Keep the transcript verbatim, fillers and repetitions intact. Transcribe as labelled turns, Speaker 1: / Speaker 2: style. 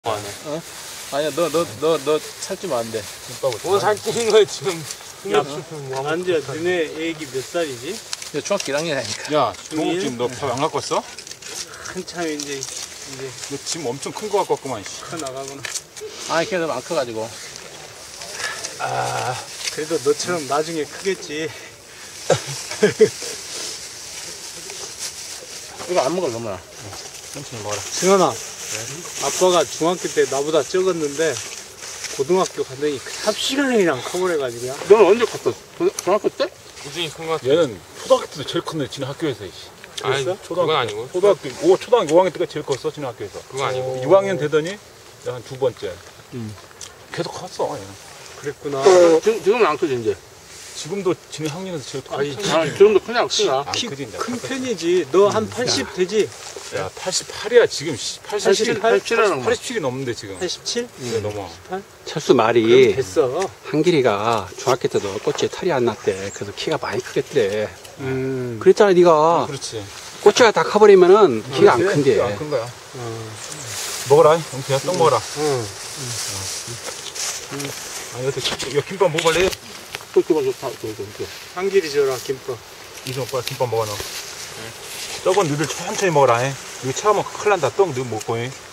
Speaker 1: 어? 아니야, 너, 너, 너, 너 살찌면 안 돼.
Speaker 2: 뭐 살찌는 거야, 지금.
Speaker 3: 야, 안지야, 너네 애기 몇 살이지?
Speaker 1: 너 중학교 일 학년이니까.
Speaker 2: 야, 종욱 지금 너 밥 안 갖고 왔어?
Speaker 3: 한참 이제, 이제
Speaker 2: 너 지금 엄청 큰 거 갖고 왔구만, 씨.
Speaker 3: 커 나가구나.
Speaker 1: 아니, 걔도 안 커가지고.
Speaker 3: 아, 그래도 너처럼 나중에 크겠지.
Speaker 1: 이거 안 먹을 놈아.
Speaker 2: 천천히 먹어라.
Speaker 3: 승현아, 아빠가 중학교 때 나보다 적었는데, 고등학교 갔더니 삽시간이랑 커버려가지고.
Speaker 1: 너는 언제 컸어? 중학교 때?
Speaker 2: 우진이 큰 거 같아.
Speaker 4: 얘는 초등학교 때도 제일 컸네, 지네 학교에서.
Speaker 2: 아니,
Speaker 3: 그랬어?
Speaker 2: 그건 아니고.
Speaker 4: 초등학교, 오, 초등학교 오 학년 때가 제일 컸어, 지네 학교에서.
Speaker 2: 그거 아니고.
Speaker 4: 육 학년 되더니, 한 두 번째.
Speaker 3: 음.
Speaker 4: 계속 컸어, 얘는.
Speaker 3: 그랬구나.
Speaker 1: 지금, 지금은 안 크지, 이제.
Speaker 4: 지금도 지네 학년에서 제일 컸어.
Speaker 3: 아니,
Speaker 1: 아, 지금도 크냐, 크냐.
Speaker 4: 안
Speaker 3: 키
Speaker 4: 크지, 이제.
Speaker 3: 큰 편이지. 너 한 팔십 되지?
Speaker 4: 야, 팔십팔이야, 지금. 팔십칠,
Speaker 1: 팔십칠이라는 거.
Speaker 4: 팔십칠이 넘는데, 지금.
Speaker 3: 팔십칠?
Speaker 4: 네, 넘어.
Speaker 5: 철수
Speaker 3: 그럼
Speaker 5: 말이
Speaker 3: 됐어.
Speaker 5: 한길이가 중학교 때도 꼬치에 털이 안 났대. 그래서 키가 많이 크겠대.
Speaker 3: 음.
Speaker 5: 그랬잖아, 네가.
Speaker 4: 그렇지.
Speaker 5: 꼬치가 다 커버리면은 키가 안 큰대.
Speaker 4: 안 큰 거야.
Speaker 3: 어.
Speaker 4: 먹어라, 영태야, 떡 먹어라.
Speaker 3: 응.
Speaker 4: 아, 여태, 이거 김밥 먹을래?
Speaker 1: 또 기분 좋다, 또, 또, 또.
Speaker 3: 한길이 줘라, 김밥.
Speaker 4: 이승 오빠 김밥 먹어, 너. 떡은 너들 천천히 먹어라, 해. 이거 차가면 큰일 난다, 떡 너 먹고, 해.